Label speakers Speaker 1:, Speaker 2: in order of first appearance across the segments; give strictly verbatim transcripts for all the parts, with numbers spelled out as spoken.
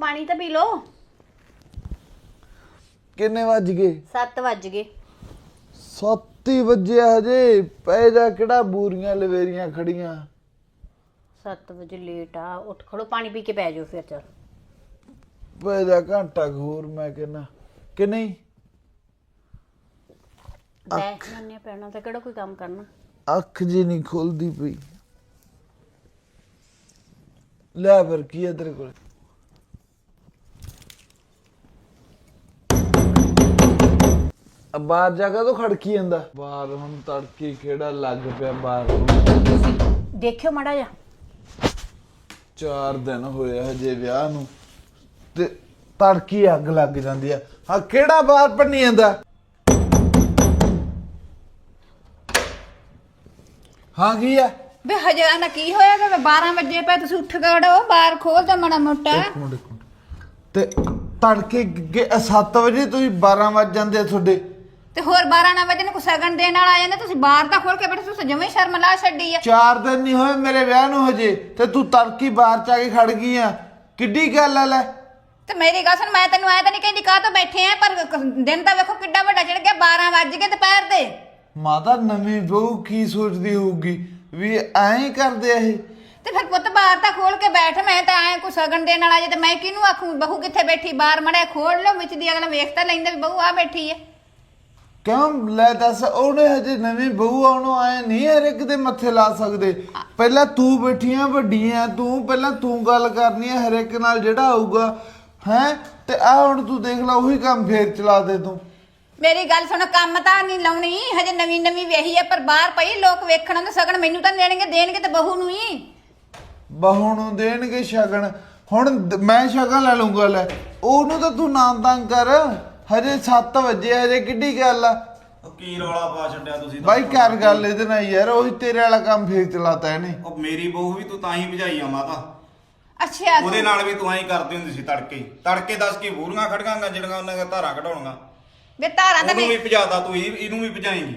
Speaker 1: पानी तो P low.
Speaker 2: किन्ने वज गए?
Speaker 1: सत्त वज गए।
Speaker 2: सत्त ही वजे हजे पै जा केड़ा बूरियां लवेरियां खड़ियां।
Speaker 1: सत्त बजे लेट आ उठ खड़ो पानी पी के पै जाओ फिर चल
Speaker 2: पै जा घंटा घूर मैं कहना कि नहीं
Speaker 1: बैठने पैना तो केड़ा कोई काम करना।
Speaker 2: अख जी नहीं खोलदी पई ले फिर की है तेरे को अब बाहर जाकर तो खड़की जांदा बाहर हुण तड़की खेड़ा लग पिया बाहर
Speaker 1: देखियो माड़ा जा
Speaker 2: चार दिन होए हजे विआह नूं ते तड़की अग लग जांदी आ हां केड़ा बाहर भन्नी जांदा हां की है
Speaker 3: बे हजे आना की होया कि बारह बजे पे तुसी उठ गड़ो बाहर खोल दे माड़ा मोटा
Speaker 2: एक मिनट एक मिनट ते तड़के सत्त वजे ਤੁਸੀਂ बारह वज ਜਾਂਦੇ ਆ ਤੁਹਾਡੇ
Speaker 3: ਤੇ ਹੋਰ बारह ना वजे ने को सगन देण वाला आ जांदा तुसी बाहर ਤਾਂ ਖੋਲ ਕੇ ਬੈਠੇ ਤੁਸੀਂ ਜਮੇ ਸ਼ਰਮ ਲਾ ਛੱਡੀ ਆ
Speaker 2: ਚਾਰ ਦਿਨ ਨਹੀਂ ਹੋਏ ਮੇਰੇ ਵਿਆਹ ਨੂੰ ਹਜੇ ਤੇ ਤੂੰ ਤੜਕੀ ਬਾਹਰ ਚ ਆ ਕੇ ਖੜ ਗਈ ਆ ਕਿੱਡੀ ਗੱਲ ਆ ਲੈ
Speaker 3: ਤੇ ਮੇਰੀ ਗੱਲ ਸੁਣ ਮੈਂ ਤੈਨੂੰ ਐ ਤਾਂ ਨਹੀਂ ਕਹਿੰਦੀ ਕਾਹ ਤੋਂ ਬੈਠੇ ਆ ਪਰ ਦਿਨ ਤਾਂ ਵੇਖੋ ਕਿੱਡਾ ਵੱਡਾ ਚੜ ਗਿਆ बारह ਵਜ ਗਏ ਦੁਪਹਿਰ ਦੇ
Speaker 2: ਮਾਤਾ ਨਵੀਂ ਬਹੂ ਕੀ ਸੋਚਦੀ ਹੋਊਗੀ ਵੀ ਐਂ ਕਰਦੇ ਆ ਇਹ
Speaker 3: ਤੇ ਫਿਰ ਪੁੱਤ ਬਾਹਰ ਤਾਂ ਖੋਲ ਕੇ ਬੈਠ ਮੈਂ ਤਾਂ ਐ ਕੋ ਸਗਨ ਦੇਣ ਵਾਲਾ ਜੇ ਤੇ ਮੈਂ ਕਿਹਨੂੰ ਆਖੂ ਬਹੂ ਕਿੱਥੇ ਬੈਠੀ ਬਾਹਰ ਮੜਿਆ ਖੋਲ ਲਓ ਵਿੱਚ ਦੀ ਅਗਲਾ ਵੇਖ ਤਾਂ ਲੈਂਦਾ ਵੀ ਬਹੂ ਆ ਬੈਠੀ ਐ
Speaker 2: ਕਿਉਂ ਲੈ ਦੱਸ ਉਹਨੇ ਹਜੇ ਨਵੀਂ ਬਹੂ ਆਉਣੋਂ ਆਏ ਨਹੀਂ ਹਰ ਇੱਕ ਦੇ ਮੱਥੇ ਲਾ ਸਕਦੇ ਪਹਿਲਾਂ ਤੂੰ ਬੈਠੀਆਂ ਵੱਡੀਆਂ ਤੂੰ ਪਹਿਲਾਂ ਤੂੰ ਗੱਲ ਕਰਨੀ ਹੈ ਹਰ ਇੱਕ ਨਾਲ ਜਿਹੜਾ ਆਊਗਾ ਹੈ ਤੇ ਆ ਹੁਣ ਤੂੰ ਦੇਖ ਲੈ ਉਹੀ ਕੰਮ ਫੇਰ ਚਲਾ ਦੇ ਤੂੰ
Speaker 3: ਮੇਰੀ ਗੱਲ ਸੁਣ ਕੰਮ ਤਾਂ ਨਹੀਂ ਲਾਉਣੀ ਹਜੇ ਨਵੀਂ ਨਵੀਂ ਵਿਆਹੀ ਐ ਪਰ ਬਾਹਰ ਪਈ ਲੋਕ ਵੇਖਣ ਆਉਂਦੇ ਸਗਨ ਮੈਨੂੰ ਤਾਂ ਦੇਣਗੇ ਦੇਣਗੇ ਤੇ ਬਹੂ ਨੂੰ ਹੀ
Speaker 2: ਬਹੂ ਨੂੰ ਦੇਣਗੇ ਸ਼ਗਨ ਹੁਣ ਮੈਂ ਸ਼ਗਨ ਲੈ ਲੂੰਗਾ ਲੈ ਉਹਨੂੰ ਤਾਂ ਤੂੰ ਨਾ ਤੰਗ ਕਰ ਹਜੇ ਸੱਤ ਵਜੇ ਹਜੇ ਕਿੱਡੀ ਗੱਲ ਆ
Speaker 4: ਕੀ ਰੌਲਾ ਪਾ ਛੱਡਿਆ ਤੁਸੀਂ
Speaker 2: ਬਾਈ ਕਰ ਗੱਲ ਇਹਦੇ ਨਾਲ ਯਾਰ ਉਹੀ ਤੇਰੇ ਵਾਲਾ ਕੰਮ ਫੇਰ ਚਲਾਤਾ ਇਹਨੇ
Speaker 4: ਉਹ ਮੇਰੀ ਬਹੂ ਵੀ ਤੂੰ ਤਾਂ ਹੀ ਭਜਾਈ ਆ ਮਾਤਾ
Speaker 3: ਅੱਛਾ
Speaker 4: ਉਹਦੇ ਨਾਲ ਵੀ ਤੂੰ ਐਂ ਕਰਦੀ ਹੁੰਦੀ ਸੀ ਤੜਕੇ ਤੜਕੇ ਦੱਸ ਕੀ ਬੂਰੀਆਂ ਖੜਕਾਂਗਾ ਜਿਹੜੀਆਂ ਉਹਨਾਂ ਦੀਆਂ ਧਾਰਾਂ ਕਢਾਉਣੀਆਂ
Speaker 3: ਵੇ ਧਾਰਾਂ ਤਾਂ
Speaker 4: ਉਹਨੂੰ ਵੀ ਭਜਾਦਾ ਤੂੰ ਇਹ- ਇਹਨੂੰ ਵੀ ਭਜਾਏਂਗੀ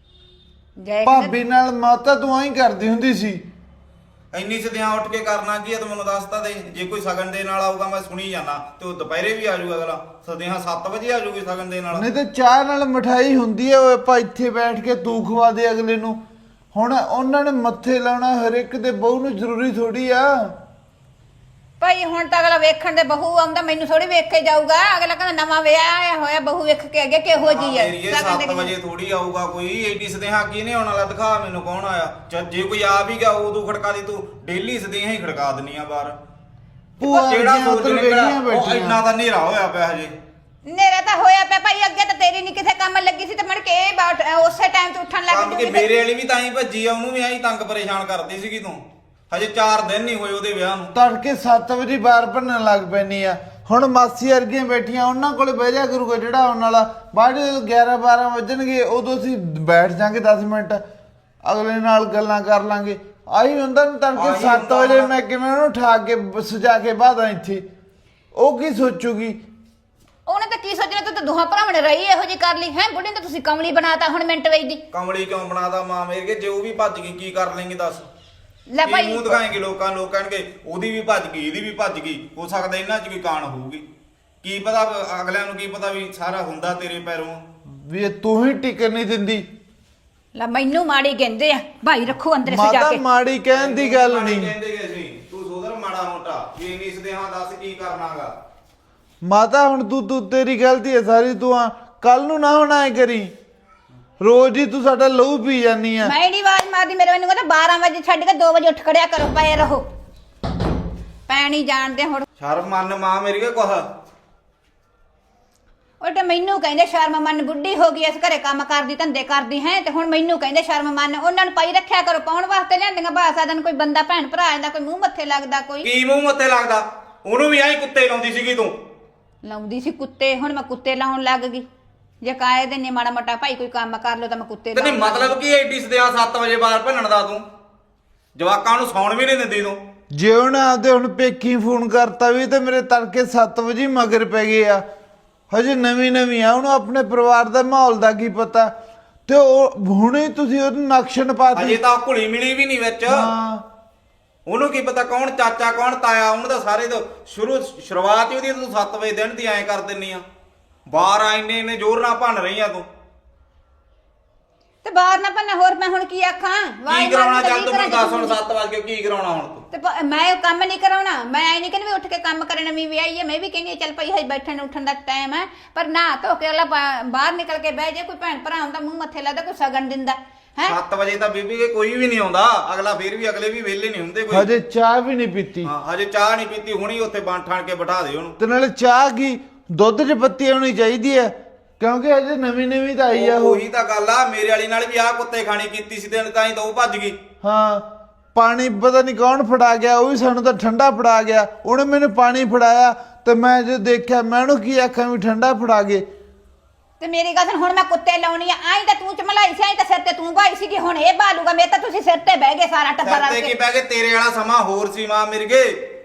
Speaker 3: ਜੈ
Speaker 2: ਭਾਬੀ ਨਾਲ ਮਾਤਾ ਤੂੰ ਐਂ ਕਰਦੀ ਹੁੰਦੀ ਸੀ
Speaker 4: ਇੰਨੀ ਸਦਿਆਂ ਉੱਠ ਕੇ ਕਰਨਾ ਕੀ ਆ ਤੂੰ ਮੈਨੂੰ ਦੱਸ ਤਾਂ ਦੇ ਜੇ ਕੋਈ ਸਗਨ ਦੇ ਨਾਲ ਆਊਗਾ ਮੈਂ ਸੁਣੀ ਜਾਣਾ ਤੇ ਉਹ ਦੁਪਹਿਰੇ ਵੀ ਆ ਜਾਊਗਾ ਅਗਲਾ ਸਦਿਆਂ ਸੱਤ ਵਜੇ ਆ ਜਾਊਗੀ ਸਗਨ ਦੇ ਨਾਲ
Speaker 2: ਨਹੀਂ ਤੇ ਚਾਹ ਨਾਲ ਮਠਾਈ ਹੁੰਦੀ ਹੈ ਉਹ ਆਪਾਂ ਇੱਥੇ ਬੈਠ ਕੇ ਤੂੰ ਖਵਾ ਦੇ ਅਗਲੇ ਨੂੰ ਹੁਣ ਉਹਨਾਂ ਨੇ ਮੱਥੇ ਲਾਉਣਾ ਹਰ ਇੱਕ ਦੇ ਬਹੂ ਨੂੰ ਜ਼ਰੂਰੀ ਥੋੜੀ ਆ
Speaker 3: ਭਾਈ ਹੁਣ ਤਾਂ ਅਗਲਾ ਵੇਖਣ ਦੇ ਬਹੂ ਆਉਂਦਾ ਮੈਨੂੰ ਥੋੜੀ ਵੇਖ ਕੇ ਜਾਊਗਾ ਅਗਲਾ ਕਹਿੰਦਾ ਨਵਾਂ ਵਿਆਹ ਆਇਆ ਹੋਇਆ ਬਹੂ ਵੇਖ ਕੇ ਅੱਗੇ ਕਿਹੋ ਜੀ ਹੈ
Speaker 4: ਮੇਰੀ ਸੱਤ ਵਜੇ ਥੋੜੀ ਆਊਗਾ ਕੋਈ ਏਡੀ ਸਦਿਆਂ ਕੀ ਨੇ ਆਉਣ ਵਾਲਾ ਦਿਖਾ ਮੈਨੂੰ ਕੌਣ ਆਇਆ ਚੱਲ ਜੇ ਕੋਈ ਆ ਵੀ ਗਿਆ ਉਦੋਂ ਖੜਕਾ ਦੀ ਤੂੰ ਡੇਲੀ ਸਦਿਆਂ ਹੀ ਖੜਕਾ ਦਿੰਨੀ ਆ ਬਾਹਰ
Speaker 2: ਭੂਆ
Speaker 4: ਜਿਹੜਾ
Speaker 2: ਦੀਆਂ
Speaker 4: ਸੋਚ
Speaker 2: ਉੱਧਰ
Speaker 4: ਨਿਕਲਿਆ
Speaker 2: ਵਿਹਲੀਆਂ
Speaker 4: ਉਹ
Speaker 2: ਬੈਠੀਆਂ।
Speaker 4: ਇੰਨਾ ਤਾਂ ਹਨੇਰਾ ਹੋਇਆ ਪਿਆ ਹਜੇ
Speaker 3: ਨੇਰਾ ਤਾਂ ਹੋਇਆ ਪਿਆ ਭਾਈ ਅੱਗੇ ਤਾਂ ਤੇਰੀ ਨਹੀਂ ਕਿਸੇ ਕੰਮ ਲੱਗੀ ਸੀ ਤੇ ਮੜ ਕੇ ਇਹ ਬਾਟ ਉਸੇ ਟਾਈਮ ਤੇ ਉੱਠਣ ਲੱਗ
Speaker 4: ਕੰਮ ਕਿ
Speaker 3: ਜੂਗੀ
Speaker 4: ਮੇਰੇ ਵਾਲੀ ਵੀ ਤਾਂ ਹੀ ਭੱਜੀ ਆ ਉਹਨੂੰ ਵੀ ਐਂ ਤੰਗ ਪਰੇਸ਼ਾਨ ਕਰਦੀ ਸੀਗੀ ਤੂੰ ਹਜੇ ਚਾਰ ਦਿਨ ਨਹੀਂ ਹੋਏ ਉਹਦੇ ਵਿਆਹ ਨੂੰ
Speaker 2: ਤੜਕੇ ਸੱਤ ਵਜੇ ਬਾਹਰ ਭੰਨਣ ਲੱਗ ਪੈਣੀ ਆ ਹੁਣ ਮਾਸੀ ਵਰਗੀਆਂ ਬੈਠੀਆਂ ਉਹਨਾਂ ਕੋਲੇ ਬਹਿ ਜਾ ਕਰੂਗਾ ਜਿਹੜਾ ਆਉਣ ਵਾਲਾ ਬਾਅਦ ਜਦੋਂ ਗਿਆਰਾਂ ਬਾਰਾਂ ਵੱਜਣਗੇ ਉਦੋਂ ਅਸੀਂ ਬੈਠ ਜਾਾਂਗੇ ਦਸ ਮਿੰਟ ਅਗਲੇ ਨਾਲ ਗੱਲਾਂ ਕਰ ਲਾਂਗੇ ਆਹੀ ਹੁੰਦਾ ਨਾ ਤੜਕੇ
Speaker 4: ਆਹੀ
Speaker 2: ਸੱਤ
Speaker 4: ਹੁੰਦਾ
Speaker 2: ਵਜੇ
Speaker 4: ਨਾ।
Speaker 2: ਮੈਂ ਕਿਵੇਂ ਉਹਨੂੰ ਠਾ ਕੇ ਸਜਾ ਕੇ ਬਾਦਾਂ ਇੱਥੇ ਉਹ ਕੀ ਸੋਚੂਗੀ
Speaker 3: ਉਹਨੇ ਤਾਂ ਕੀ ਸੋਚਣਾ ਤੂੰ ਤਾਂ ਦੋਹਾਂ ਭਰਾਵਾਂ ਨੇ ਰਹੀ ਇਹੋ ਜੀ ਕਰ ਲਈ ਹੈ ਬੁੱਢੀ ਤਾਂ ਤੁਸੀਂ ਕਮਲੀ ਬਣਾਤਾ ਹੁਣ ਮਿੰਟ ਵੇਚ ਦੀ
Speaker 4: ਕਮਲੀ ਕਿਉਂ ਬਣਾਦਾ ਮਾਂ ਮੇਰੇ ਕੇ ਜੇ ਉਹ ਵੀ ਭੱਜ ਗਈ ਕੀ ਕਰ ਲੈਂਗੇ ਦੱਸ
Speaker 3: ਲੈ
Speaker 4: ਕੀ
Speaker 3: ਭਾਈ
Speaker 4: ਮੂੰਹ ਦਿਖਾਏਂਗੇ ਲੋਕਾਂ ਨੂੰ ਲੋਕ ਕਹਿਣਗੇ ਉਹਦੀ ਵੀ ਭੱਜ ਗਈ ਇਹਦੀ ਵੀ ਭੱਜ ਗਈ ਹੋ ਸਕਦਾ ਇਹਨਾਂ 'ਚ ਕੋਈ ਕਾਣ ਹੋਊਗੀ ਕੀ ਪਤਾ ਅਗਲਿਆਂ ਨੂੰ ਕੀ ਪਤਾ ਵੀ ਸਾਰਾ ਹੁੰਦਾ ਤੇਰੇ ਪੈਰੋਂ
Speaker 2: ਵੀ ਇਹ ਤੂੰ ਹੀ ਟਿਕਣ ਨਹੀਂ ਦਿੰਦੀ
Speaker 3: ਲੈ ਮੈਨੂੰ ਮਾੜੀ ਕਹਿੰਦੇ ਆ ਭਾਈ ਰੱਖੋ ਅੰਦਰ ਸਜਾ
Speaker 2: ਮਾਤਾ
Speaker 3: ਕੇ
Speaker 2: ਮਾੜੀ ਕਹਿਣ ਦੀ ਗੱਲ ਨਹੀਂ
Speaker 4: ਕਹਿੰਦੇ ਗਏ ਸੀ ਤੂੰ ਸੋਦਰ ਮਾੜਾ ਮੋਟਾ ਵੀ ਇੰਨੀ ਸਦਿਆਂ ਦੱਸ ਕੀ ਕਰਨਾਗਾ
Speaker 2: ਮਾਤਾ ਹੁਣ ਤੂੰ ਤੂੰ ਤੇਰੀ ਗਲਤੀ ਹੈ ਸਾਰੀ ਤੂੰ ਆ ਕੱਲ ਨੂੰ ਨਾ ਹੁਣ ਐ ਕਰੀ ਰੋਜ਼ ਹੀ ਤੂੰ ਸਾਡਾ ਲਹੂ ਪੀ ਜਾਨੀ ਆ
Speaker 3: ਮੈਂ ਨਹੀਂ ਆਵਾਜ਼ ਮਾਰਦੀ ਮੇਰੇ ਮੈਨੂੰ ਕਹਿੰਦਾ ਬਾਰ੍ਹਾਂ ਵਜੇ ਛੱਡ ਕੇ ਦੋ ਵਜੇ ਉੱਠ ਖੜਿਆ ਕਰੋ ਪਏ ਰਹੋ ਪੈਣੀ ਜਾਣਦੇ ਹੁਣ
Speaker 4: ਸ਼ਰਮ ਮੰਨ ਮਾਂ ਮੇਰੀ ਕੇ ਕੁਛ
Speaker 3: ਉਹ ਤੇ ਮੈਨੂੰ ਕਹਿੰਦੇ ਸ਼ਰਮ ਮੰਨ ਬੁੱਢੀ ਹੋ ਗਈ ਇਸ ਘਰੇ ਕੰਮ ਕਰਦੀ ਧੰਦੇ ਕਰਦੀ ਹੈ ਤੇ ਹੁਣ ਮੈਨੂੰ ਕਹਿੰਦੇ ਸ਼ਰਮ ਮੰਨ ਉਹਨਾਂ ਨੂੰ ਪਾਈ ਰੱਖਿਆ ਕਰੋ ਪਾਉਣ ਵਾਸਤੇ ਲਿਆਂਦੀਆਂ ਬਾਸਾ ਦਿਨ ਕੋਈ ਬੰਦਾ ਭੈਣ ਭਰਾ ਆਂਦਾ ਕੋਈ ਮੂੰਹ ਮੱਥੇ ਲੱਗਦਾ ਕੋਈ
Speaker 4: ਕੀ ਮੂੰਹ ਮੱਥੇ ਲੱਗਦਾ ਉਹਨੂੰ ਵੀ ਐਂ ਕੁੱਤੇ ਲਾਉਂਦੀ ਸੀਗੀ ਤੂੰ
Speaker 3: ਲਾਉਂਦੀ ਸੀ ਕੁੱਤੇ ਹੁਣ ਮੈਂ ਕੁੱਤੇ ਲਾਉਣ ਲੱਗ ਗਈ ਜੇ ਕਾਏ ਦੇ ਨੇ ਮਾੜਾ ਮੋਟਾ ਭਾਈ ਕੋਈ ਕੰਮ ਕਰ ਲੋ ਤਾਂ ਮੈਂ ਕੁੱਤੇ
Speaker 4: ਤੇ ਨਹੀਂ
Speaker 3: ਲਾਉਣ ਲੱਗ
Speaker 4: ਮਤਲਬ ਕੀ ਐਡੀ ਸਦਿਆਂ ਸੱਤ ਵਜੇ ਬਾਹਰ ਭੰਨਣ ਦਾ ਤੂੰ ਜਵਾਕਾਂ ਨੂੰ ਸੌਣ ਵੀ ਨਹੀਂ ਦਿੰਦੀ ਤੂੰ
Speaker 2: ਜੇ ਉਹਨੇ ਆਪਦੇ ਹੁਣ ਪੇਕੀ ਫੋਨ ਕਰਤਾ ਵੀ ਤੇ ਮੇਰੇ ਤੜਕੇ ਸੱਤ ਵਜੇ ਮਗਰ ਪੈ ਗਏ ਆ ਹਜੇ ਨਵੀਂ ਨਵੀਂ ਆ ਉਹਨੂੰ ਆਪਣੇ ਪਰਿਵਾਰ ਦਾ ਮਾਹੌਲ ਦਾ ਕੀ ਪਤਾ ਤੇ ਉਹ ਹੁਣੇ ਤੁਸੀਂ ਉਹਨੂੰ ਨਕਸ਼ਨ ਪਾਤੀ
Speaker 4: ਅਜੇ ਤਾਂ ਘੁਲੀ ਮਿਲੀ ਵੀ ਨਹੀਂ ਵਿੱਚ
Speaker 2: ਹਾਂ
Speaker 4: ਉਹਨੂੰ ਕੀ ਪਤਾ ਕੌਣ ਚਾਚਾ ਕੌਣ ਤਾਇਆ, ਉਹਨੂੰ ਤਾਂ ਸਾਰੇ ਤੋਂ ਸ਼ੁਰੂ ਸ਼ੁਰੂਆਤ ਹੀ ਉਹਦੀ ਤੂੰ ਸੱਤ ਵਜੇ ਦਿਨ ਦੀ ਐਂ ਕਰ ਦਿੰਨੀ ਆ। ਬਾਹਰ ਆ ਇੰਨੇ ਇੰਨੇ ਜ਼ੋਰ ਨਾਲ ਭੰਨ ਰਹੀ ਆ ਤੂੰ।
Speaker 3: ਤੇ ਬਾਹਰ ਨਾ ਪੰਨਾ ਹੋਰ ਮੈਂ ਹੁਣ ਕੀ ਆਖਾਂ? ਵਾਹ
Speaker 4: ਕੀ ਕਰਾਉਣਾ ਚੱਲ ਤੂੰ ਮੈਨੂੰ ਦੱਸ ਹੁਣ ਸੱਤ ਵਜੇ ਕਿਉਂ ਕੀ ਕਰਾਉਣਾ ਹੁਣ ਤੂੰ?
Speaker 3: ਤੇ ਪ- ਮੈਂ ਕੰਮ ਨਹੀਂ ਕਰਾਉਣਾ। ਮੈਂ ਐ ਨਹੀਂ ਕਹਿੰਦੀ ਵੀ ਉੱਠ ਕੇ ਕੰਮ ਕਰਨ ਨਵੀਂ ਵਿਆਹੀ ਹੈ। ਮੈਂ ਵੀ ਕਹਿੰਦੀ ਹਾਂ ਚੱਲ ਭਾਈ ਹਜੇ ਬੈਠਣ ਉੱਠਣ ਦਾ ਟਾਈਮ ਹੈ, ਪਰ ਨਾ ਧੋ ਕੇ ਅਗਲਾ ਬਾ- ਬਾਹਰ ਨਿਕਲ ਕੇ ਬਹਿ ਜੇ। ਕੋਈ ਭੈਣ ਭਰਾ ਹੁੰਦਾ ਮੂੰਹ ਮੱਥੇ ਲੱਗਦਾ, ਕੋਈ ਸਗਨ ਦਿੰਦਾ ਹੈ।
Speaker 4: ਸੱਤ ਵਜੇ ਤਾਂ ਬੀਬੀ ਕੇ ਕੋਈ ਵੀ ਨਹੀਂ ਆਉਂਦਾ, ਅਗਲਾ ਫੇਰ ਵੀ ਅਗਲੇ ਵੀ ਵਿਹਲੇ ਨਹੀਂ ਹੁੰਦੇ ਕੋਈ।
Speaker 2: ਹਜੇ ਚਾਹ ਵੀ ਨਹੀਂ ਪੀਤੀ।
Speaker 4: ਹਾਂ ਹਜੇ ਚਾਹ ਨਹੀਂ ਪੀਤੀ, ਹੁਣੀ ਉੱਥੇ ਬਣ ਠਾਣ ਕੇ ਬਿਠਾ ਦੇ ਉਹਨੂੰ।
Speaker 2: ਤੇ ਨਾਲੇ ਚਾਹ ਕੀ ਦੁੱਧ 'ਚ ਪੱਤੀ ਹੋਣੀ ਚਾਹੀਦੀ ਹੈ, ਕਿਉਂਕਿ ਹਜੇ ਨਵੀਂ ਨਵੀਂ ਤਾਂ ਆਈ ਆ ਉਹ।
Speaker 4: ਉਹੀ ਤਾਂ ਗੱਲ ਆ, ਮੇਰੇ ਵਾਲੀ ਨਾਲ ਵੀ ਆਹ ਕੁੱਤੇ ਖਾਣੀ ਕੀਤੀ ਸੀ ਤੇ ਤਾਂ ਹੀ ਤਾਂ ਉਹ ਭੱਜ ਗਈ।
Speaker 2: ਹਾਂ ਪਾਣੀ ਪਤਾ ਨਹੀਂ ਕੌਣ ਫੜਾ ਗਿਆ, ਉਹ ਵੀ ਸਾਨੂੰ ਤਾਂ ਠੰਡਾ ਫੜਾ ਗਿਆ। ਉਹਨੇ ਮੈਨੂੰ ਪਾਣੀ ਫੜਾਇਆ ਤੇ ਮੈਂ ਜੋ ਦੇਖਿਆ ਮੈਂ ਉਹਨੂੰ ਕੀ ਆਖਾਂ ਵੀ ਠੰਡਾ ਫੜਾ ਗਏ।
Speaker 3: ਤੇ ਮੇਰੀ ਗੱਲ ਸੁਣ, ਹੁਣ ਮੈਂ ਕੁੱਤੇ ਲਾਉਣੀ ਆ। ਆਈ ਤਾਂ ਤੂੰ ਚਮਲਾਈ ਸੀ, ਆਈ ਤਾਂ ਸਿਰ ਤੇ ਤੂੰ ਭਾਈ ਸੀਗੀ, ਹੁਣ ਇਹ ਬਾਲੂਗਾ। ਮੇਰੇ ਤਾਂ ਤੁਸੀਂ ਸਿਰ ਤੇ ਬਹਿ ਗਏ ਸਾਰਾ ਟੱਬਰ
Speaker 4: ਸਿਰ
Speaker 3: ਰਲ
Speaker 4: ਤੇ ਕੀ
Speaker 3: ਕੇ।
Speaker 4: ਪੈ ਗਏ, ਤੇਰੇ ਵਾਲਾ ਸਮਾਂ ਹੋਰ ਸੀ ਮਾਂ ਮਿਰਗੇ।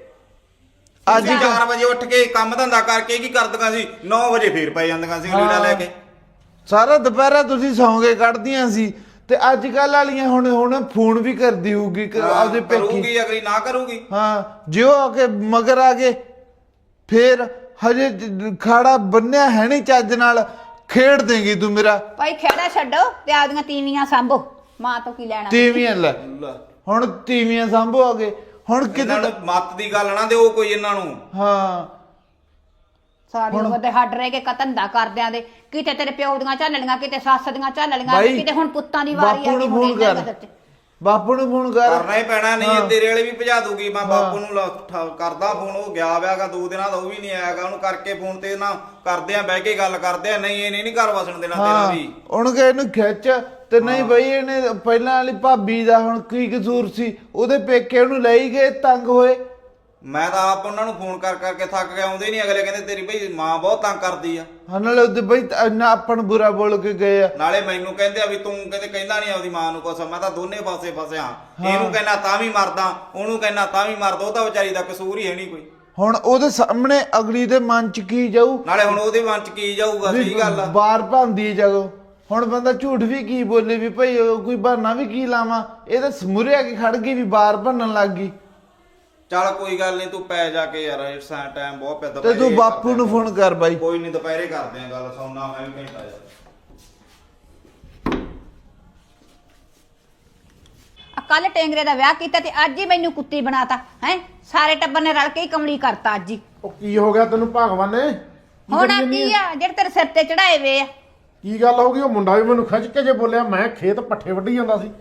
Speaker 2: ਅੱਜ
Speaker 4: ਅੱਜ ਚਾਰ ਵਜੇ ਉੱਠ ਕੇ ਕੰਮ ਧੰਦਾ ਕਰਕੇ ਕੀ ਕਰਦੀਆਂ ਸੀ, ਨੌ ਵਜੇ ਫੇਰ ਪੈ ਜਾਂਦੀਆਂ ਸੀ ਲੀੜਾ ਲੈ ਕੇ।
Speaker 2: ਸਾਰਾ ਦੁਪਹਿਰਾ ਤੁਸੀਂ ਸੌਂਗੇ ਕੱਢਦੀਆਂ ਸੀ, ਤੇ ਅੱਜ ਕੱਲ ਵਾਲੀਆਂ ਹੁਣ ਹੁਣ ਫੋਨ ਵੀ ਕਰਦੀ ਹੋਊਗੀ ਕਿ ਆਪਦੇ ਪੇਕੀ।
Speaker 4: ਕਰੂਗੀ ਅਗਲੀ ਨਾ ਕਰੂਗੀ।
Speaker 2: ਹਾਂ ਜਿਉ ਆ ਕੇ ਮਗਰ ਆ ਗਏ ਫੇਰ ਹਜੇ ਜ- ਖਾੜਾ ਬੰਨਿਆ ਹੈ ਨਹੀਂ ਚੱਜ ਨਾਲ, ਖੇਡ ਦੇਂਗੀ ਤੂੰ ਮੇਰਾ।
Speaker 3: ਭਾਈ ਖੇੜਾ ਛੱਡੋ ਤੇ ਆਪਦੀਆਂ ਤੀਵੀਆਂ ਸਾਂਭੋ। ਮਾਂ ਤੋਂ ਕੀ ਲੈਣਾ?
Speaker 2: ਤੀਵੀਆਂ ਲੈ ਹੁਣ ਤੀਵੀਆਂ ਸਾਂਭੋ ਆ ਗਏ ਹੁਣ
Speaker 4: ਇਹਨਾਂ
Speaker 2: ਕਿਤੇ।
Speaker 4: ਨੂੰ ਮੱਤ ਦੀ ਗੱਲ ਨਾ ਦਿਓ ਕੋਈ ਇਹਨਾਂ ਨੂੰ।
Speaker 2: ਹਾਂ
Speaker 3: ਸਾਰੀ ਉਮਰ ਦੇ ਹੱਡ ਰਹਿ ਕੇ ਕਤੰਦਾ ਕਰਦਿਆਂ ਦੇ, ਕਿਤੇ ਤੇਰੇ ਪਿਓ ਦੀਆਂ ਝੱਲ ਲੀਆਂ, ਕਿਤੇ ਸੱਸ ਦੀਆਂ ਝੱਲ ਲੀਆਂ,
Speaker 2: ਬਾਈ,
Speaker 3: ਕਿਤੇ ਹੁਣ ਪੁੱਤਾਂ ਦੀ ਵਾਰੀ
Speaker 2: ਬਾਪੂ
Speaker 3: ਆ
Speaker 2: ਨੂੰ
Speaker 3: ਗਈ।
Speaker 2: ਫੋਨ
Speaker 3: ਹੁਣ ਇਹਨਾਂ
Speaker 2: ਕਰ।
Speaker 3: ਦੇ ਸਿਰ 'ਚ।
Speaker 2: ਬਾਪੂ ਨੂੰ ਫੋਨ ਕਰ।
Speaker 4: ਕਰਨਾ ਹੀ ਪੈਣਾ, ਨਹੀਂ
Speaker 2: ਹਾਂ।
Speaker 4: ਇਹ ਤੇਰੇ ਵਾਲੇ ਵੀ ਭਜਾ ਦੂਗੀ। ਮੈਂ ਬਾਪੂ ਨੂੰ ਲ- ਠ- ਕਰਦਾ ਫੋਨ, ਉਹ ਗਿਆ ਵਿਆਗਾ ਦੋ ਦਿਨਾਂ ਦਾ, ਉਹ ਵੀ ਨਹੀਂ ਆਇਆਗਾ। ਉਹਨੂੰ ਕਰਕੇ ਫੋਨ ਤੇ ਨਾ ਕਰਦੇ ਆ, ਬਹਿ ਕੇ ਗੱਲ ਕਰਦੇ ਆ। ਨਹੀਂ ਇਹਨੇ ਨਹੀਂ ਘਰ ਵਸਣ ਦੇਣਾ ਤੇਰਾ
Speaker 2: ਹਾਂ
Speaker 4: ਵੀ।
Speaker 2: ਉਹਨੂੰ ਕਹੇ ਇਹਨੂੰ ਖਿੱਚ ਤੇ ਨਹੀਂ ਬਈ ਇਹਨੇ ਪਹਿਲਾਂ ਵਾਲੀ ਭਾਬੀ ਦਾ ਹੁਣ ਕੀ ਕਸੂਰ ਸੀ, ਉਹਦੇ ਪੇਕੇ ਉਹਨੂੰ ਲਈ ਗਏ ਤੰਗ ਹੋਏ।
Speaker 4: ਮੈਂ ਤਾਂ ਆਪ ਉਹਨਾਂ ਨੂੰ ਫੋਨ ਕਰ ਕਰਕੇ ਥੱਕ ਗਿਆ, ਆਉਂਦੇ ਨਹੀਂ। ਅਗਲੇ ਕਹਿੰਦੇ ਤੇਰੀ ਭਈ ਮਾਂ ਬਹੁਤ ਤੰਗ ਕਰਦੀ ਆ।
Speaker 2: ਹਾਂ ਨਾਲੇ ਉਹਦੇ ਬਈ ਇੰਨਾ ਆਪਾਂ ਨੂੰ ਬੁਰਾ ਬੋਲ ਕੇ ਗਏ ਆ।
Speaker 4: ਨਾਲੇ ਮੈਨੂੰ ਕਹਿੰਦੇ ਆ ਵੀ ਤੂੰ ਕਹਿੰਦੇ ਕਹਿੰਦਾ ਨਹੀਂ ਆਪਦੀ ਮਾਂ ਨੂੰ ਕੁਛ। ਮੈਂ ਤਾਂ ਦੋਨੇ ਪਾਸੇ ਫਸਿਆ। ਇਹਨੂੰ ਕਹਿੰਦਾ ਤਾਂ ਵੀ ਮਰਦਾ, ਉਹਨੂੰ ਕਹਿੰਦਾ ਤਾਂ ਵੀ ਮਰਦਾ। ਉਹ ਤਾਂ ਵਿਚਾਰੀ ਦਾ ਕਸੂਰ ਹੀ ਹੈ ਨਹੀਂ ਕੋਈ।
Speaker 2: ਹੁਣ ਉਹਦੇ ਸਾਹਮਣੇ ਅਗਲੀ ਦੇ ਮਨ ਚ ਕੀ ਜਾਊ,
Speaker 4: ਨਾਲੇ ਹੁਣ ਉਹਦੇ ਮਨ ਚ ਕੀ ਜਾਊਗਾ? ਸਹੀ ਗੱਲ ਆ।
Speaker 2: ਬਾਰ ਭਾਂਦੀ ਜਦੋਂ ਹੁਣ ਬੰਦਾ ਝੂਠ ਵੀ ਕੀ ਬੋਲੇ ਵੀ ਭਈ ਉਹ ਕੋਈ ਬਹਾਨਾ ਵੀ ਕੀ ਲਾਵਾਂ। ਇਹ ਤਾਂ ਸਮੁਰਿਆ ਕੇ ਖੜ ਗਈ ਵੀ ਬਾਰ ਭੰਨਣ ਲੱਗ ਗਈ।
Speaker 4: ਚੱਲ ਕੋਈ ਗੱਲ ਨਹੀਂ, ਤੂੰ ਪੈ ਜਾ ਕੇ ਯਾਰ, ਇਸ ਟਾਈਮ ਬਹੁਤ ਪਿਆ।
Speaker 2: ਤੇ
Speaker 4: ਦੁਪਹਿਰੇ
Speaker 2: ਤੂੰ ਬਾਪੂ
Speaker 4: ਕਰਦੇ
Speaker 2: ਨੂੰ
Speaker 4: ਆ।
Speaker 2: ਫੋਨ ਕਰ ਬਾਈ।
Speaker 4: ਕੋਈ ਨਹੀਂ ਦੁਪਹਿਰੇ ਕਰਦੇ ਆ ਗੱਲ, ਸੌਣਾ ਮੈਂ ਵੀ ਘੰਟਾ ਜਾ।
Speaker 3: ਕੱਲ ਟੇਂਗਰੇ ਦਾ ਵਿਆਹ ਕੀਤਾ ਤੇ ਅੱਜ ਹੀ ਮੈਨੂੰ ਕੁੱਤੀ ਬਣਾਤਾ ਹੈ। ਸਾਰੇ ਟੱਬਰ ਨੇ ਰਲ ਕੇ ਹੀ ਕਮਲੀ ਕਰਤਾ ਅੱਜ ਹੀ।
Speaker 5: ਉਹ ਕੀ ਹੋ ਗਿਆ ਤੈਨੂੰ ਭਗਵਾਨ ਨੇ? ਕੀ
Speaker 3: ਹੁਣ
Speaker 5: ਕਰੀ
Speaker 3: ਆ
Speaker 5: ਜਾਂਦੀ
Speaker 3: ਕੀ
Speaker 5: ਆ?
Speaker 3: ਆ ਜਿਹੜੇ ਤੇਰੇ ਸਿਰ ਤੇ ਚੜਾਏ ਵੇ ਆ?
Speaker 5: ਕੀ ਗੱਲ ਹੋ ਗਈ? ਉਹ ਮੁੰਡਾ ਵੀ ਮੈਨੂੰ ਖਿੱਚ ਕੇ ਜੇ ਬੋਲਿਆ, ਮੈਂ ਖੇਤ ਪੱਠੇ ਵੱਢੀ ਜਾਂਦਾ ਸੀ।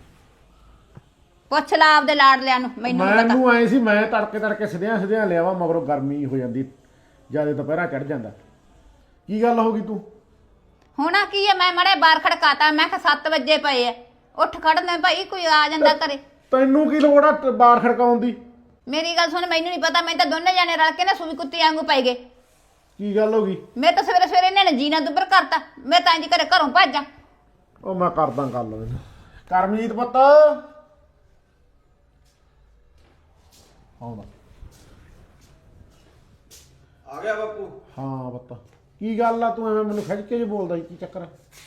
Speaker 3: ਪੁੱਛ ਲਾ ਆਪਦੇ ਲਾਡਲਿਆਂ ਨੂੰ, ਮੈਨੂੰ ਨੀ ਪਤਾ।
Speaker 5: ਮੈਨੂੰ ਐ ਸੀ ਮੈਂ ਤੜਕੇ ਤੜਕੇ ਸਿਧਿਆਂ ਸਿਧਿਆਂ ਲਿਆਵਾ, ਮਗਰੋਂ ਗਰਮੀ ਹੋ ਜਾਂਦੀ, ਜਿਆਦਾ ਦੁਪਹਿਰਾ ਚੜ ਜਾਂਦਾ। ਕੀ ਗੱਲ ਹੋ ਗਈ ਤੂੰ?
Speaker 3: ਹੁਣ ਆ ਕੀ ਆ? ਮੈਂ ਮੜੇ ਬਾਹਰ ਖੜਕਾਤਾ, ਮੈਂ ਕਿਹਾ ਸੱਤ ਵਜੇ ਪਏ ਆ, ਉੱਠ ਖੜਨਾ ਭਾਈ, ਕੋਈ ਆ ਜਾਂਦਾ ਘਰੇ।
Speaker 5: ਤੈਨੂੰ ਕੀ ਲੋੜ ਆ ਟ- ਬਾਹਰ ਖੜਕਾਉਣ ਦੀ?
Speaker 3: ਮੇਰੀ ਗੱਲ ਸੁਣ, ਮੈਨੂੰ ਨਹੀਂ ਪਤਾ। ਮੈਂ ਤਾਂ ਦੋਨੇ ਜਾਣੇ ਰਲ ਕੇ ਨਾ ਸੂਈ ਕੁੱਤੀ ਵਾਂਗੂ ਪੈ ਗਏ।
Speaker 5: ਕੀ ਗੱਲ ਹੋ ਗਈ?
Speaker 3: ਮੈਂ ਤਾਂ ਸਵੇਰੇ ਸਵੇਰੇ ਇਹਨਾਂ ਨੇ ਜੀਣਾ ਦੁੱਬਰ ਕਰਤਾ। ਮੈਂ ਤਾਂ ਇੰਜ ਘਰੇ ਘਰੋਂ ਭੱਜਾਂ।
Speaker 5: ਉਹ ਮੈਂ ਕਰਦਾ ਗੱਲ ਇਹਨੂੰ। ਕਰਮਜੀਤ ਪੁੱਤ ਆਉਂਦਾ।
Speaker 4: ਆ ਗਿਆ ਬਾਪੂ।
Speaker 5: ਹਾਂ ਪੁੱਤ ਕੀ ਗੱਲ ਆ? ਤੂੰ ਐਵੇਂ ਮੈਨੂੰ ਖਿੱਚ ਕੇ ਜੇ ਬੋਲਦਾ ਸੀ, ਕੀ ਚੱਕਰ ਆ?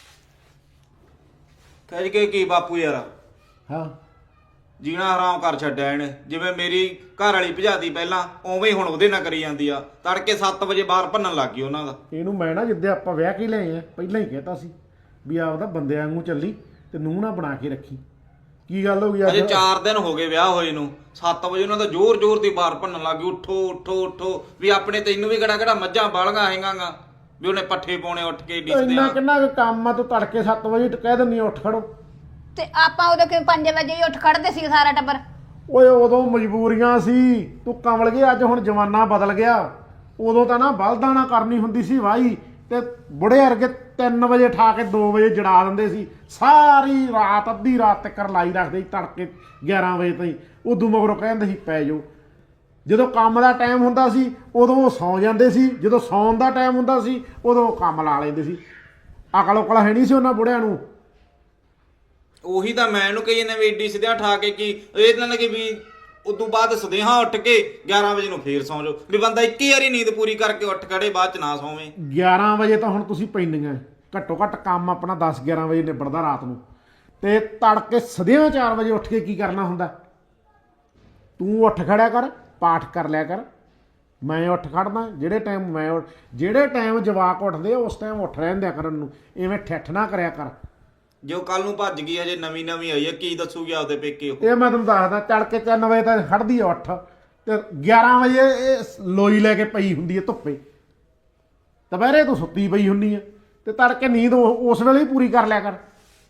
Speaker 4: ਕਹਿ ਕੇ ਕੀ ਬਾਪੂ ਯਾਰ,
Speaker 5: ਹਾਂ
Speaker 4: ਜੀਣਾ ਹਰਾਮ ਕਰ ਛੱਡਿਆ ਇਹਨੇ। ਜਿਵੇਂ ਮੇਰੀ ਘਰ ਵਾਲੀ ਭਜਾਦੀ ਪਹਿਲਾਂ, ਉਵੇਂ ਹੀ ਹੁਣ ਉਹਦੇ ਨਾਲ ਕਰੀ ਜਾਂਦੀ ਆ। ਤੜਕੇ ਸੱਤ ਵਜੇ ਬਾਹਰ ਭੰਨਣ ਲੱਗ ਗਈ ਉਹਨਾਂ ਦਾ।
Speaker 5: ਇਹਨੂੰ ਮੈਂ ਨਾ ਜਿੱਦੇ ਆਪਾਂ ਵਿਆਹ ਕੇ ਲਏ ਆ ਪਹਿਲਾਂ ਹੀ ਕਹਿਤਾ ਸੀ ਵੀ ਆਪਦਾ ਬੰਦਿਆਂ ਵਾਂਗੂ ਚੱਲੀ ਤੇ ਨੂੰਹ ਨਾ ਬਣਾ ਕੇ ਰੱਖੀ। ਕੀ ਗੱਲ ਹੋ ਗਈ
Speaker 4: ਅਜੇ
Speaker 5: ਅੱਜ?
Speaker 4: ਚਾਰ ਦਿਨ ਹੋ ਗਏ ਵਿਆਹ ਹੋਏ ਨੂੰ। ਸੱਤ ਵਜੇ ਉਹਨਾਂ ਦਾ ਜ਼ੋਰ ਜ਼ੋਰ ਦੀ ਬਾਹਰ ਭੰਨਣ ਲੱਗ ਗਈ। ਉੱਠੋ ਉੱਠੋ ਉੱਠੋ ਵੀ ਆਪਣੇ ਤੈਨੂੰ ਵੀ ਕਿਹੜਾ ਕਿਹੜਾ ਮੱਝਾਂ ਬਾਲੀਆਂ ਹੈਗਾਂਗਾ ਵੀ ਉਹਨੇ ਪੱਠੇ ਪਾਉਣੇ ਉੱਠ ਕੇ ਡਿੱਸਦੇ
Speaker 5: ਇੰਨਾ
Speaker 4: ਆ।
Speaker 5: ਕਿੰਨਾ ਕੁ ਕੰਮ ਆ? ਤੂੰ ਤੜਕੇ ਸੱਤ ਵਜੇ ਟ- ਕਹਿ ਦਿੰਦੀ ਆ ਉੱਠ ਖੜੋ।
Speaker 3: ਤੇ ਆਪਾਂ ਉਦੋਂ ਕਿ ਪੰਜ ਵਜੇ ਹੀ ਉੱਠ ਖੜਦੇ ਸੀ ਸਾਰਾ ਟੱਬਰ।
Speaker 5: ਓਏ ਉਦੋਂ ਮਜਬੂਰੀਆਂ ਸੀ, ਤੂੰ ਕਮਲ ਗਿਆ। ਅੱਜ ਹੁਣ ਜ਼ਮਾਨਾ ਬਦਲ ਗਿਆ। ਉਦੋਂ ਤਾਂ ਨਾ ਬਲਦਾਂ ਨਾਲ ਕਰਨੀ ਹੁੰਦੀ ਸੀ ਵਾਹੀ, ਤੇ ਬੁੜੇ ਵਰਗੇ ਤਿੰਨ ਵਜੇ ਠਾ ਕੇ ਦੋ ਵਜੇ ਜੜਾ ਦਿੰਦੇ ਸੀ। ਸਾਰੀ ਰਾਤ ਅੱਧੀ ਰਾਤ ਤੱਕ ਲਾਈ ਰੱਖਦੇ ਸੀ, ਤੜਕੇ ਗਿਆਰਾਂ ਵਜੇ ਤਾਈਂ। ਉਦੋਂ ਮਗਰੋਂ ਕਹਿੰਦੇ ਸੀ ਪੈ ਜਾਓ। ਜਦੋਂ ਕੰਮ ਦਾ ਟਾਈਮ ਹੁੰਦਾ ਸੀ ਉਦੋਂ ਉਹ ਸੌਂ ਜਾਂਦੇ ਸੀ, ਜਦੋਂ ਸੌਣ ਦਾ ਟਾਈਮ ਹੁੰਦਾ ਸੀ ਉਦੋਂ ਉਹ ਕੰਮ ਲਾ ਲੈਂਦੇ ਸੀ। ਅਕਲ ਉਕਲ ਹੈ ਨਹੀਂ ਸੀ ਉਹਨਾਂ ਬੁੜਿਆਂ ਨੂੰ।
Speaker 4: ਉਹੀ ਤਾਂ ਮੈਂ ਇਹਨੂੰ ਕਹੀ ਜਾਂਦਾ ਵੀ ਏਡੀ ਸਿੱਧਿਆਂ ਠਾ ਕੇ ਕੀ ਇਹਦੇ ਨਾਲ ਕਿ ਵੀ ਉਦੋਂ ਬਾਅਦ ਸਦੇਹਾ ਉੱਠ ਕੇ ਗਿਆਰਾਂ ਵਜੇ ਨੂੰ ਫੇਰ ਸੌਂ ਜਾਓ। ਵੀ ਬੰਦਾ ਇੱਕੀ ਵਾਰੀ ਨੀਂਦ ਪੂਰੀ ਕਰਕੇ ਉੱਠ ਖੜੇ, ਬਾਅਦ ਚ ਨਾ ਸੌਵੇਂ।
Speaker 5: ਗਿਆਰਾਂ ਵਜੇ ਤਾਂ ਹੁਣ ਤੁਸੀਂ ਪੈਂਦੀਆਂ। ਘੱਟੋ ਘੱਟ ਕੰਮ ਆਪਣਾ ਦਸ ਗਿਆਰਾਂ ਵਜੇ ਨਿਬੜਦਾ ਰਾਤ ਨੂੰ, ਤੇ ਤੜਕੇ ਸਦਿਆਂ ਚਾਰ ਵਜੇ ਉੱਠ ਕੇ ਕੀ ਕਰਨਾ ਹੁੰਦਾ? ਤੂੰ ਉੱਠ ਖੜਿਆ ਕਰ, ਪਾਠ ਕਰ ਲਿਆ ਕਰ। ਮੈਂ ਉੱਠ ਖੜਦਾ ਜਿਹੜੇ ਟਾਈਮ ਮੈਂ ਉੱਠ- ਜਿਹੜੇ ਟਾਈਮ ਜਵਾਕ ਉੱਠਦੇ ਆ ਉਸ ਟਾਈਮ ਉੱਠ ਰਹਿੰਦਿਆ ਕਰਨ ਨੂੰ, ਐਵੇਂ ਠੱਠ ਨਾ ਕਰਿਆ ਕਰ।
Speaker 4: ਜੋ ਕੱਲ ਨੂੰ ਭੱਜ ਗਈ ਅਜੇ ਨਵੀਂ ਨਵੀਂ ਆਈ ਹੈ, ਕੀ ਦੱਸੂਗੀ ਆਪਦੇ ਪੇਕੇ ਉਹ?
Speaker 5: ਇਹ ਮੈਂ ਤੁਹਾਨੂੰ ਦੱਸਦਾ, ਤੜਕੇ ਤਿੰਨ ਵਜੇ ਤੱਕ ਖੜਦੀ ਆ ਉੱਠ, ਤੇ ਗਿਆਰਾਂ ਵਜੇ ਇਹ ਲੋਈ ਲੈ ਕੇ ਪਈ ਹੁੰਦੀ ਹੈ ਧੁੱਪੇ। ਦੁਪਹਿਰੇ ਤੂੰ ਸੁੱਤੀ ਪਈ ਹੁੰਨੀ ਆ, ਤੇ ਤੜਕੇ ਨੀਂਦ ਉਹ- ਉਸ ਵੇਲੇ ਹੀ ਪੂਰੀ ਕਰ ਲਿਆ ਕਰ।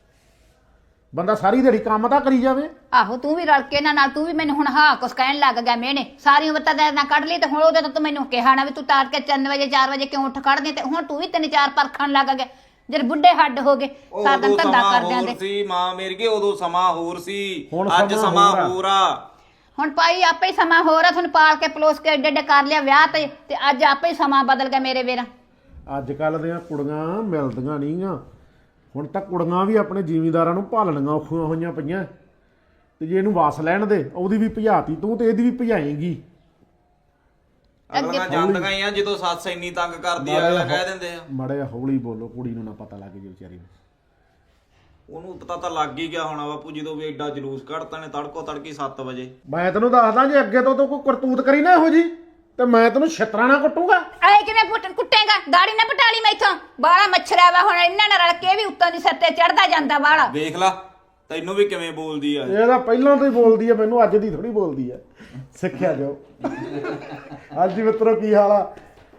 Speaker 5: ਬੰਦਾ ਸਾਰੀ ਦਿਹਾੜੀ ਕੰਮ ਤਾਂ ਕਰੀ ਜਾਵੇ।
Speaker 3: ਆਹੋ ਤੂੰ ਵੀ ਰਲ ਕੇ ਇਹਨਾਂ ਨਾਲ ਤੂੰ ਵੀ ਮੈਨੂੰ ਹੁਣ ਹਾਂ ਕੁਛ ਕਹਿਣ ਲੱਗ ਗਿਆ ਮੈਨੇ ਸਾਰੀ ਉਮਰ ਤਾਂ ਨਾ ਕੱਢ ਲਈ ਤੇ ਹੁਣ ਉਹਦੇ ਤੋਂ ਤੂੰ ਮੈਨੂੰ ਕਿਹਾ ਨਾ ਵੀ ਤੂੰ ਤਾਰ ਕੇ ਤਿੰਨ ਵਜੇ ਚਾਰ ਵਜੇ ਕਿਉਂ ਉੱਠ ਖੜਦੀ ਤੇ ਹੁਣ ਤੂੰ ਵੀ ਤਿੰਨ ਚਾਰ ਪਰਖਣ ਲੱਗ ਗਿਆ ਜਦ ਬੁੱਢੇ ਹੱਡ ਹੋ ਗਏ ਸਾਰਾ ਦਿਨ
Speaker 4: ਉਦੋਂ
Speaker 3: ਧੰਦਾ
Speaker 4: ਸਮਾਂ
Speaker 3: ਕਰਦਿਆਂ
Speaker 4: ਹੋਰ
Speaker 3: ਦੇ।
Speaker 4: ਸੀ ਮਾਂ ਮੇਰੀ ਕੇ, ਉਦੋਂ ਸਮਾਂ ਹੋਰ ਸੀ,
Speaker 5: ਹੁਣ
Speaker 4: ਅੱਜ
Speaker 5: ਸਮਾਂ
Speaker 4: ਸਮਾਂ
Speaker 5: ਹੋਰ ਆ।
Speaker 4: ਹੋਰ ਆ।
Speaker 3: ਹੁਣ ਭਾਈ ਆਪੇ ਹੀ ਸਮਾਂ ਹੋਰ ਆ ਤੁਹਾਨੂੰ ਪਾਲ ਕੇ ਪਲੋਸ ਕੇ ਏਡੇ ਏਡੇ ਕਰ ਲਿਆ ਵਿਆਹ ਤੇ ਤੇ ਅੱਜ ਆਪੇ ਹੀ ਸਮਾਂ ਬਦਲ ਗਿਆ ਮੇਰੇ ਵੀਰ।
Speaker 5: ਅੱਜ ਕੱਲ ਦੀਆਂ ਕੁੜੀਆਂ ਮਿਲਦੀਆਂ ਨਹੀਂ ਆ। ਹੁਣ ਤਾਂ ਕੁੜੀਆਂ ਵੀ ਆਪਣੇ ਜ਼ਿਮੀਂਦਾਰਾਂ ਨੂੰ ਭਾਲਣੀਆਂ ਔਖੀਆਂ ਹੋਈਆਂ ਪਈਆਂ। ਤੇ ਜੇ ਇਹਨੂੰ ਵਸ ਲੈਣ ਦੇ, ਉਹਦੀ ਵੀ ਭਜਾਤੀ ਤੂੰ ਤੇ ਇਹਦੀ ਵੀ ਭਜਾਏਂਗੀ।
Speaker 4: ਅਗਲੀਆਂ ਜਾਂਦੀਆਂ ਹੀ ਆ, ਜਦੋਂ ਸੱਸ ਇੰਨੀ ਤੰਗ ਕਰਦੀ ਆ ਅਗਲਾ ਕਹਿ ਦਿੰਦੇ ਆ।
Speaker 5: ਮਾੜਾ ਜਿਹਾ ਹੌਲੀ ਬੋਲੋ, ਕੁੜੀ ਨੂੰ ਨਾ ਪਤਾ ਲੱਗ ਜੇ ਵਿਚਾਰੀ ਨੂੰ।
Speaker 4: ਉਹਨੂੰ ਪਤਾ ਤਾਂ ਲੱਗ ਹੀ ਗਿਆ ਹੋਣਾ ਬਾਪੂ, ਜਦੋਂ ਵੀ ਐਡਾ ਜਲੂਸ ਕੱਢਤਾ ਨੇ ਤੜਕੋ ਤੜਕੀ ਸੱਤ ਵਜੇ।
Speaker 5: ਮੈਂ ਤੈਨੂੰ ਦੱਸਦਾ, ਜੇ ਅੱਗੇ ਤੋਂ ਤੂੰ ਕੋਈ ਕਰਤੂਤ ਕਰੀ ਨਾ ਇਹੋ ਜੀ, ਤੇ ਮੈਂ ਤੈਨੂੰ ਛਿੱਤਰਾਂ ਨਾਲ ਕੁੱਟੂਗਾ।
Speaker 3: ਐ ਕਿਵੇਂ ਪੁੱਟ ਕੁੱਟੇਗਾ ਦਾੜੀ ਨਾ ਪਟਾਲੀ ਮੈਥੋਂ ਬਾਲਾ ਮੱਛਰਿਆ ਵਾ ਹੁਣ ਇਹਨਾਂ ਨਾਲ ਰਲ ਕੇ ਵੀ ਉੱਤੋਂ ਦੀ ਸਿਰ ਤੇ ਚੜਦਾ ਜਾਂਦਾ ਬਾਲਾ।
Speaker 4: ਵੇਖ ਲਾ ਤੈਨੂੰ ਵੀ ਕਿਵੇਂ ਬੋਲਦੀ ਆ।
Speaker 5: ਇਹ ਤਾਂ ਪਹਿਲਾਂ ਤੋਂ ਹੀ ਬੋਲਦੀ ਆ, ਮੈਨੂੰ ਅੱਜ ਦੀ ਥੋੜੀ ਬੋਲਦੀ ਆ। ਸਿੱਖਿਆ ਜਾਓ। ਅੱਜ ਮਿੱਤਰੋ ਕੀ ਹਾਲ ਆ?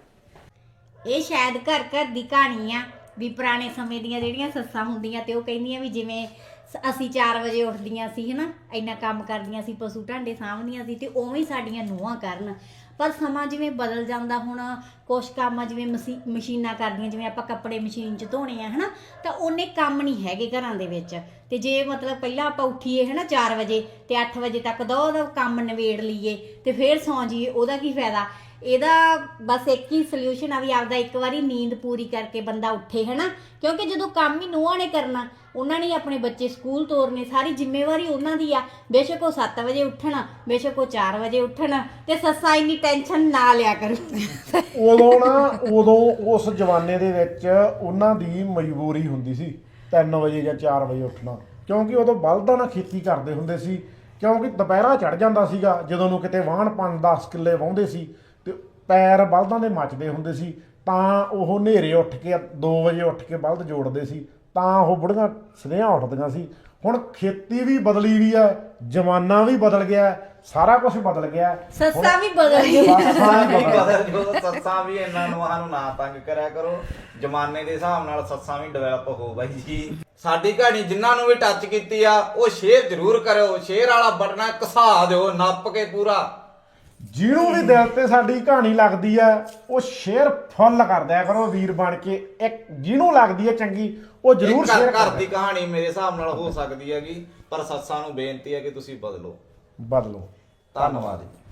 Speaker 1: ਇਹ ਸ਼ਾਇਦ ਘਰ ਘਰ ਦੀ ਕਹਾਣੀ ਆ ਵੀ ਪੁਰਾਣੇ ਸਮੇਂ ਦੀਆਂ ਜਿਹੜੀਆਂ ਸੱਸਾਂ ਹੁੰਦੀਆਂ ਤੇ ਉਹ ਕਹਿੰਦੀਆਂ ਵੀ ਜਿਵੇਂ ਸ- ਅਸੀਂ ਚਾਰ ਵਜੇ ਉੱਠਦੀਆਂ ਸੀ ਹਨਾ, ਇੰਨਾ ਕੰਮ ਕਰਦੀਆਂ ਸੀ, ਪਸ਼ੂ ਢਾਂਡੇ ਸਾਂਭਦੀਆਂ ਸੀ, ਤੇ ਉਵੇਂ ਹੀ ਸਾਡੀਆਂ ਨੂੰਹਾਂ ਕਰਨ। ਪਰ ਸਮਾਂ ਜਿਵੇਂ ਬਦਲ ਜਾਂਦਾ, ਹੁਣ ਕੁਛ ਕੰਮ ਆ ਜਿਵੇਂ ਮਸ਼ੀ ਮਸ਼ੀਨਾਂ ਕਰਦੀਆਂ, ਜਿਵੇਂ ਆਪਾਂ ਕੱਪੜੇ ਮਸ਼ੀਨ 'ਚ ਧੋਣੇ ਆ ਹਨਾ, ਤਾਂ ਉਹਨੇ ਕੰਮ ਨਹੀਂ ਹੈਗੇ ਘਰਾਂ ਦੇ ਵਿੱਚ। ਤੇ ਜੇ ਮਤਲਬ ਪਹਿਲਾਂ ਆਪਾਂ ਉੱਠੀਏ ਹਨਾ ਚਾਰ ਵਜੇ ਤੇ ਅੱਠ ਵਜੇ ਤੱਕ ਦੋ ਉਹਦਾ ਕੰਮ ਨਿਬੇੜ ਲਈਏ ਤੇ ਫੇਰ ਸੌਂ ਜਾਈਏ, ਉਹਦਾ ਕੀ ਫਾਇਦਾ? ਇਹਦਾ ਬਸ ਇੱਕ ਹੀ ਸੋਲਿਊਸ਼ਨ ਆ ਵੀ ਆਪਦਾ ਇੱਕ ਵਾਰੀ ਨੀਂਦ ਪੂਰੀ ਕਰਕੇ ਬੰਦਾ ਉੱਠੇ ਹਨਾ, ਕਿਉਂਕਿ ਜਦੋਂ ਕੰਮ ਹੀ ਨੂੰਹਾਂ ਨੇ ਕਰਨਾ, ਉਹਨਾਂ ਨੇ ਆਪਣੇ ਬੱਚੇ ਸਕੂਲ ਤੋਰਨੇ, ਸਾਰੀ ਜ਼ਿੰਮੇਵਾਰੀ ਉਹਨਾਂ ਦੀ ਆ। ਬੇਸ਼ੱਕ ਉਹ ਸੱਤ ਵਜੇ ਉੱਠਣ, ਬੇਸ਼ੱਕ ਉਹ ਚਾਰ ਵਜੇ ਉੱਠਣ, ਤੇ ਸੱਸਾਂ ਇੰਨੀ ਟੈਨਸ਼ਨ ਨਾ ਲਿਆ ਕਰੂ।
Speaker 5: ਉਦੋਂ ਨਾ ਉਦੋਂ ਉਸ ਜਮਾਨੇ ਦੇ ਵਿੱਚ ਉਹਨਾਂ ਦੀ ਮਜਬੂਰੀ ਹੁੰਦੀ ਸੀ ਤਿੰਨ ਵਜੇ ਜਾਂ ਚਾਰ ਵਜੇ ਉੱਠਣਾ, ਕਿਉਂਕਿ ਉਦੋਂ ਬਲਦਾਂ ਨਾਲ ਖੇਤੀ ਕਰਦੇ ਹੁੰਦੇ ਸੀ। ਕਿਉਂਕਿ ਦੁਪਹਿਰਾ ਚੜ ਜਾਂਦਾ ਸੀਗਾ, ਜਦੋਂ ਨੂੰ ਕਿਤੇ ਵਾਹਣ ਪੰਜ ਦਸ ਕਿੱਲੇ ਵਾਹੁੰਦੇ ਸੀ ਤੇ ਪੈਰ ਬਲਦਾਂ ਦੇ ਮੱਚਦੇ ਹੁੰਦੇ ਸੀ, ਤਾਂ ਉਹ ਹਨੇਰੇ ਉੱਠ ਕੇ ਦੋ ਵਜੇ ਉੱਠ ਕੇ ਬਲਦ ਜੋੜਦੇ ਸੀ, ਤਾਂ ਉਹ ਬੁੜੀਆਂ ਸਨੇਹਾ ਉੱਠਦੀਆਂ ਸੀ। ਹੁਣ ਖੇਤੀ ਵੀ ਬਦਲੀ ਵੀ ਆ, ਜ਼ਮਾਨਾ ਵੀ ਬਦਲ ਗਿਆ, ਸਾਰਾ ਕੁਝ ਬਦਲ ਗਿਆ।
Speaker 1: ਸੱਸਾਂ ਵੀ ਬਦਲ ਗਈਆਂ।
Speaker 5: ਸੱਸਾਂ ਵੀ ਬਦਲ
Speaker 4: ਬਦਲ ਜੋ ਸੱਸਾਂ ਵੀ ਇਹਨਾਂ ਨੂੰ ਨੂੰ ਨਾ ਤੰਗ ਕਰਿਆ ਕਰੋ, ਜ਼ਮਾਨੇ ਦੇ ਹਿਸਾਬ ਨਾਲ ਸੱਸਾਂ ਵੀ ਡਿਵੈਲਪ ਹੋ ਬਾਈ ਜੀ। ਸਾਡੀ ਕਹਾਣੀ ਜਿਨ੍ਹਾਂ ਨੂੰ ਵੀ ਟੱਚ ਕੀਤੀ ਆ ਉਹ ਸ਼ੇਅਰ ਜ਼ਰੂਰ ਕਰਿਓ, ਸ਼ੇਅਰ ਵਾਲਾ ਬਟਨ ਘਸਾ ਦਿਓ ਨੱਪ ਕੇ ਪੂਰਾ।
Speaker 5: ਜਿਹਨੂੰ ਵੀ ਦਿਲ ਤੇ ਸਾਡੀ ਕਹਾਣੀ ਲੱਗਦੀ ਆ ਉਹ ਸ਼ੇਅਰ ਫੁੱਲ ਕਰ ਦਿਆ ਕਰੋ ਵੀਰ ਬਣ ਕੇ। ਇੱਕ ਜਿਹਨੂੰ ਲੱਗਦੀ ਹੈ ਚੰਗੀ ਉਹ ਜ਼ਰੂਰ
Speaker 4: ਘਰ
Speaker 5: ਸ਼ੇਅਰ
Speaker 4: ਘਰ
Speaker 5: ਕਰ
Speaker 4: ਦੀ ਕਹਾਣੀ ਮੇਰੇ ਹਿਸਾਬ ਨਾਲ ਹੋ ਸਕਦੀ ਹੈਗੀ, ਪਰ ਸੱਸਾਂ ਨੂੰ ਬੇਨਤੀ ਹੈ ਕਿ ਤੁਸੀਂ ਬਦਲੋ।
Speaker 5: ਬਦਲੋ।
Speaker 4: ਧੰਨਵਾਦ।